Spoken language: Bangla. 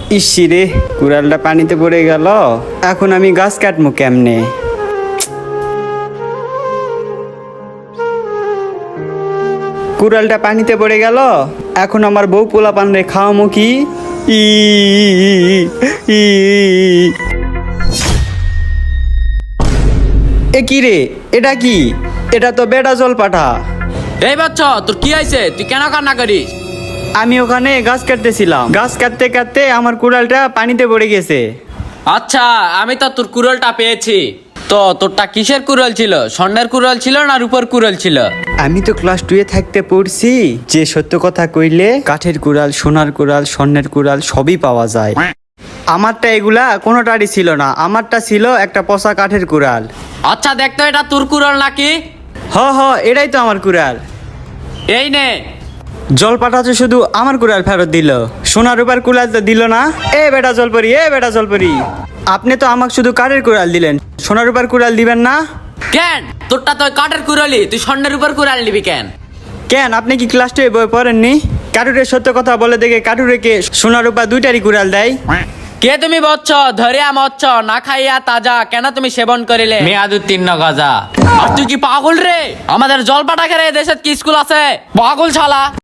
ইসি রে, কুড়ালটা পানিতে পড়ে গেল। এখন আমি গাছ কাটবো কেমনে? কুড়ালটা পানিতে পড়ে গেল। এখন আমার বউ পোলা পান রে খাওয়ামো কি? ই ই এ কি রে, এটা কি? এটা তো বেটা জল পাঠা। এই বাচ্চা, তোর কি হয়েছে? তুই কেন কান্না করিস? আমি ওখানে গাছ কাটতেছিলাম, গাছ কাটতে কাটতে আমার কুড়ালটা পানিতে পড়ে গেছে। আচ্ছা, আমি তো তোর কুড়ালটা পেয়েছি। তো তোরটা কিসের কুড়াল ছিল? স্বর্ণের কুড়াল ছিল না রূপোর কুড়াল ছিল? আমি তো ক্লাস 2 থাকতে পড়ছি যে সত্য কথা কইলে কাঠের কুড়াল, সোনার কুড়াল, স্বর্ণের কুড়াল সবই পাওয়া যায়। আমারটা এগুলা কোনোটারই ছিল না, আমারটা ছিল একটা পচা কাঠের কুড়াল। আচ্ছা, দেখতো এটা তোর কুড়াল নাকি? হ, এটাই তো আমার কুড়াল। এই নে। জল পাঠাচ্ছে শুধু আমার কুড়াল ফেরত দিল, সোনার রূপার কুড়াল তো দিল না। এ বেটা জলপরি, এ বেটা জলপরি, আপনি তো আমাকে শুধু কাঠের কুড়াল দিলেন, সোনার রূপার কুড়াল দিবেন না কেন? তোরটা তো কাঠের কুড়ালি, তুই স্বর্ণের উপর কুড়াল নিবি কেন? কেন? আপনি কি ক্লাস 2 বই পড়েননি? কাঠুরের সত্য কথা বলে দেখে কাঠুরেকে সোনার রূপা দুইটারই কুড়াল দেয়। কে তুমি বচ্চ? ধরিয়া মচ্ছ না খাইয়া তাজা, কেন তুমি সেবন করিলে মেয়াদ উত্তীর্ণ গাজা? আর তুই কি পাগল রে? আমাদের জলপাটা খেলে দেশের কি স্কুল আছে? পাগল শালা।